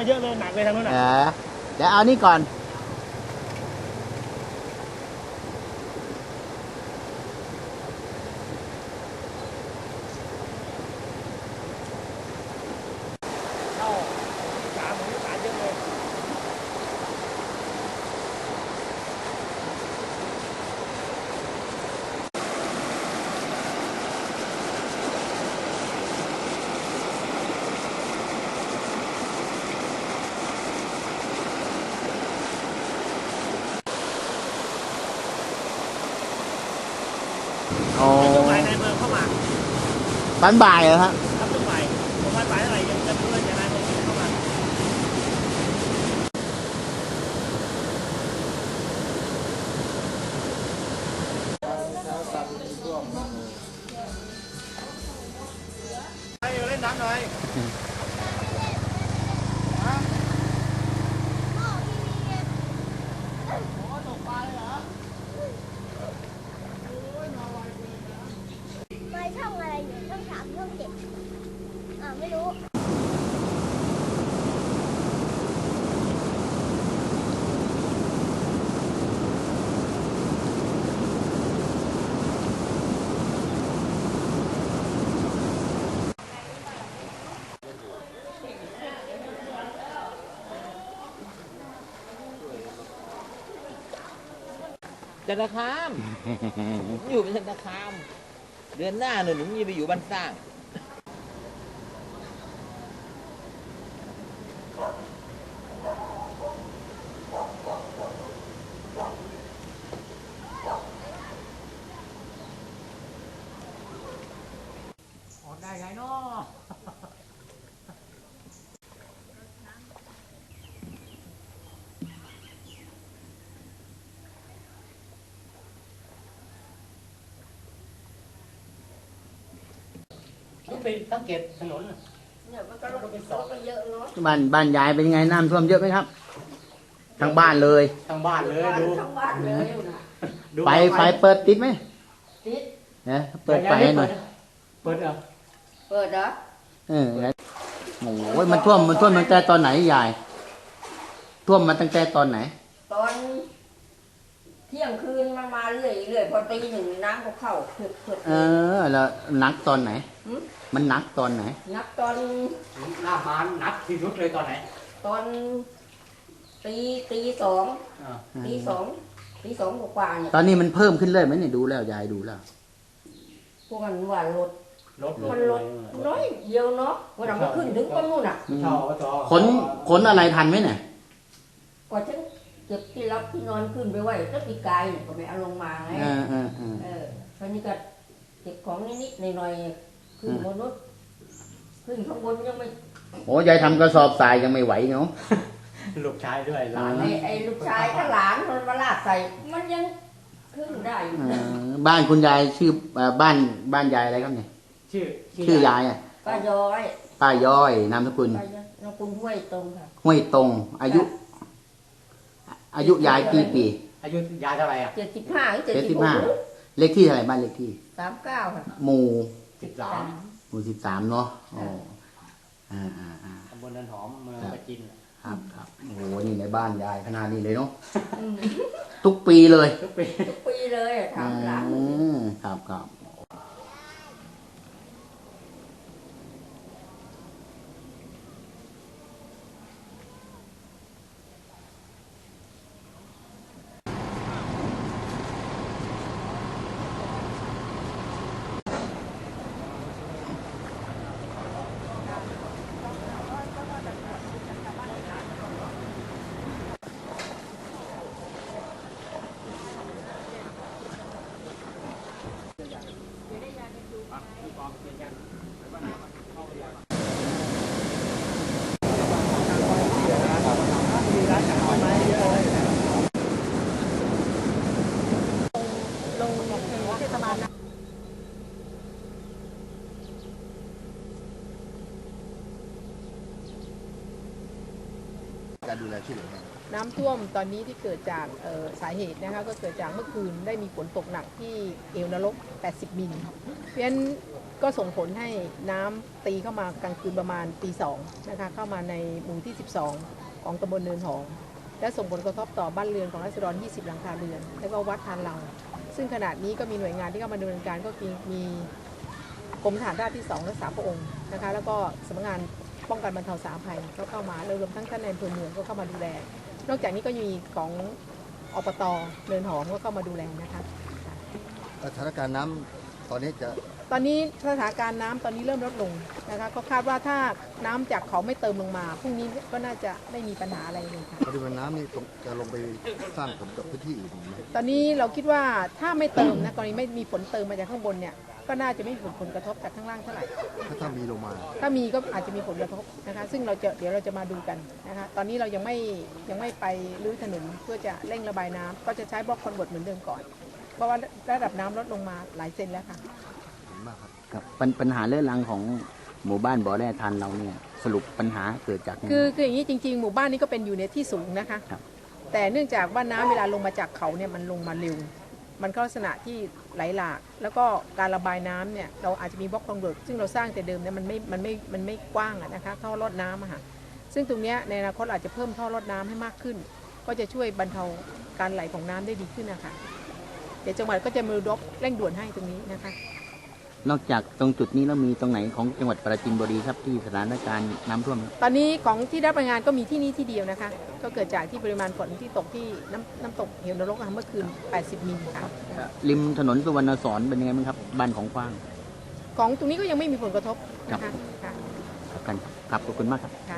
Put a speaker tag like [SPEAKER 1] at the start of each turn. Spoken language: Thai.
[SPEAKER 1] เยอะเลยหนักเลยทางนู้นน่ะ
[SPEAKER 2] เดี๋ยวเอานี่ก่อน
[SPEAKER 1] ช่วงบ่ายในเมืองเข้ามา
[SPEAKER 2] ตอนบ่ายเหรอครับ
[SPEAKER 1] ครับช่วงบ่ายประมาณบ่ายเท่าไหร่ยังจะไม่รู้เลยจะนายเมืองเข้ามาให้เล่นน้ำหน่อย
[SPEAKER 3] ช่องอะไรอยู่ช่อง3ช่อง7ไม่รู้
[SPEAKER 4] จันทคามอยู่เป็นจันทคามเดือนหน้าหนูจะไปอยู่บ้านสร้าง
[SPEAKER 1] ออกได้ไงเนาะไปสังเกตถนน
[SPEAKER 3] เนี่ยมันก็รถไปเยอะเนาะ
[SPEAKER 2] บ้านยายเป็นยังไงน้ำท่วมเยอะไหมครับทั้งบ้านเลย
[SPEAKER 1] ทั้งบ้านเลยดู
[SPEAKER 3] ทั้งบ้านเลย
[SPEAKER 2] ไฟเปิดติดไหม
[SPEAKER 3] ติด
[SPEAKER 2] เนี่ยเปิดไฟหน่อย
[SPEAKER 1] เปิดเหรอ
[SPEAKER 2] โอ้ยมันท่วมตั้งแต่ตอนไหนยายท่วมมาตั้งแต่ตอนไหน
[SPEAKER 3] ตอนเที่ยงคืนมันมาเรื่อยพอตี 1น้ำก็เข้าเผือก
[SPEAKER 2] แล้วนักตอนไหนมันนักตอนไหน
[SPEAKER 3] นักตอน
[SPEAKER 1] หน้ามานักที่สุดเลยตอนไหน
[SPEAKER 3] ตอนตีสองกว่าเนี่ย
[SPEAKER 2] ตอนนี้มันเพิ่มขึ้นเลยไหมเนี่ยดูแล้วยายดูแล้ว
[SPEAKER 3] พวกมันว่ารถมันลดน้อยเดียวเนาะวันหลังมันขึ้นถึงก้นนู่นอ่ะ
[SPEAKER 2] ขนอะไรทันไหมเนี่ย
[SPEAKER 3] กว่าฉันเก็บที่รับที่นอนขึ้นไปไว้ก็ปีกายเนี่ยก็ไม่เอาลงมาไงตอนนี้ก็เก็บของนิดๆหน่อยๆขึ้นบนรถขึ้นข้างบนยังไม่
[SPEAKER 2] โอ้ยายทำกระสอบทรายยังไม่ไหวเนาะ
[SPEAKER 1] ลูกชายด้วยหลาน
[SPEAKER 3] ไอ้ลูกชายถ้าหลานมันมาลาดใส่มันยังขึ้นได้อยู่
[SPEAKER 2] บ้านคุณยายชื่อบ้านยายอะไรครับเนี่ยชื่อยาย
[SPEAKER 3] ป้า
[SPEAKER 2] ย้อยนามสกุล
[SPEAKER 3] ห้วยตรงค่ะ
[SPEAKER 2] ห้วยตรงอายุยายกี่ปี
[SPEAKER 1] อายุยายเท่าไหร่
[SPEAKER 3] 75
[SPEAKER 2] เลขที่เท่าไหร่บ้านเลขที่
[SPEAKER 3] 39ค่ะ
[SPEAKER 2] หมู่
[SPEAKER 1] 13
[SPEAKER 2] เนาะ
[SPEAKER 1] ตำบลนันหอมเมืองประจิน
[SPEAKER 2] ครับโอ้โหนี่ในบ้านยายขนาดนี้เลยเนาะทุกปีเลย
[SPEAKER 3] ทุกปีเลยทำหลาน
[SPEAKER 2] ครับการดูแลช่วยเหลือ
[SPEAKER 5] น้ำท่วมตอนนี้ที่เกิดจากสาเหตุนะคะก็เกิดจากเมื่อคืนได้มีฝนตกหนักที่เอวนรก 80 มิลเพราะฉะนั้นก็ส่งผลให้น้ำตีเข้ามากลางคืนประมาณตี2นะคะเข้ามาในหมู่ที่ 12 ของตำบลเนินหอมและส่งผลกระทบต่อบ้านเรือนของราษฎร 20 หลังคาเรือน และก็วัดทานเราซึ่งขณะนี้ก็มีหน่วยงานที่เข้ามาดำเนินการก็มีกรมทหารราบที่ 2 รักษาพระองค์นะคะแล้วก็สำนักงานป้องกันบรรเทาสาธารณภัยก็เข้ามารวมทั้งท่านในอำเภอเมืองก็เข้ามาดูแลนอกจากนี้ก็มีของอบต.เนินหอมก็เข้ามาดูแลนะคะ
[SPEAKER 6] สถานการณ์น้ำตอนนี้
[SPEAKER 5] ตอนนี้สถานการณ์น้ำตอนนี้เริ่มลดลงนะคะก็คาดว่าถ้าน้ำจากเขาไม่เติมลงมาพรุ่งนี้ก็น่าจะไม่มีปัญหาอะไรเลยค่ะ
[SPEAKER 6] ปริมาณน้ำนี่จะลงไปสร้างผลกับพื้นที่อื่นไหม
[SPEAKER 5] ตอนนี้เราคิดว่าถ้าไม่เติมนะกรณีไม่มีฝนเติมมาจากข้างบนเนี่ยก็น่าจะไม่มีผลกระทบจากข้างล่างเท่าไหร่
[SPEAKER 6] ถ้ามีลงมา
[SPEAKER 5] ถ้ามีก็อาจจะมีผลกระทบนะคะซึ่งเดี๋ยวเราจะมาดูกันนะคะตอนนี้เรายังไม่ไปรื้อถนนเพื่อจะเร่งระบายน้ำก็จะใช้บล็อกคอนเวิร์ตเหมือนเดิมก่อนเพราะว่าระดับน้ำลดลงมาหลายเซนแล้วค่ะ
[SPEAKER 2] ครับปัญหาเรื่องรังของหมู่บ้านบ่อแร่ทันเราเนี่ยสรุปปัญหาเกิดจาก
[SPEAKER 5] คืออย่างนี้จริงๆหมู่บ้านนี้ก็เป็นอยู่ในที่สูงนะคะแต่เนื่องจากว่าน้ำเวลาลงมาจากเขาเนี่ยมันลงมาเร็วมันก็ลักษณะที่ไหลหลากแล้วก็การระบายน้ำเนี่ยเราอาจจะมีบล็อกคอนเวิร์ตซึ่งเราสร้างแต่เดิมเนี่ยมันไม่กว้างนะคะท่อรดน้ำอะค่ะซึ่งตรงนี้ในอนาคตอาจจะเพิ่มท่อรดน้ำให้มากขึ้นก็จะช่วยบรรเทาการไหลของน้ำได้ดีขึ้นนะคะเดี๋ยวจังหวัดก็จะมือรบเร่งด่วนให้ตรงนี้นะคะ
[SPEAKER 2] นอกจากตรงจุดนี้แล้วมีตรงไหนของจังหวัดปราจีนบุรีครับที่สถานการณ์น้ำท่วม
[SPEAKER 5] ตอนนี้ของที่ได้รายงานก็มีที่นี่ที่เดียวนะคะก็เกิดจากที่ปริมาณฝนที่ตกที่น้ำตกเหวนรกเมื่อคืน 80 มิลค่ะ
[SPEAKER 2] ริมถนนสุวรรณสอนเป็นยังไงบ้างครับบ้านของกว้าง
[SPEAKER 5] ของตรงนี้ก็ยังไม่มีผลกระทบนะคะ
[SPEAKER 2] ครับขอบคุณมากครับ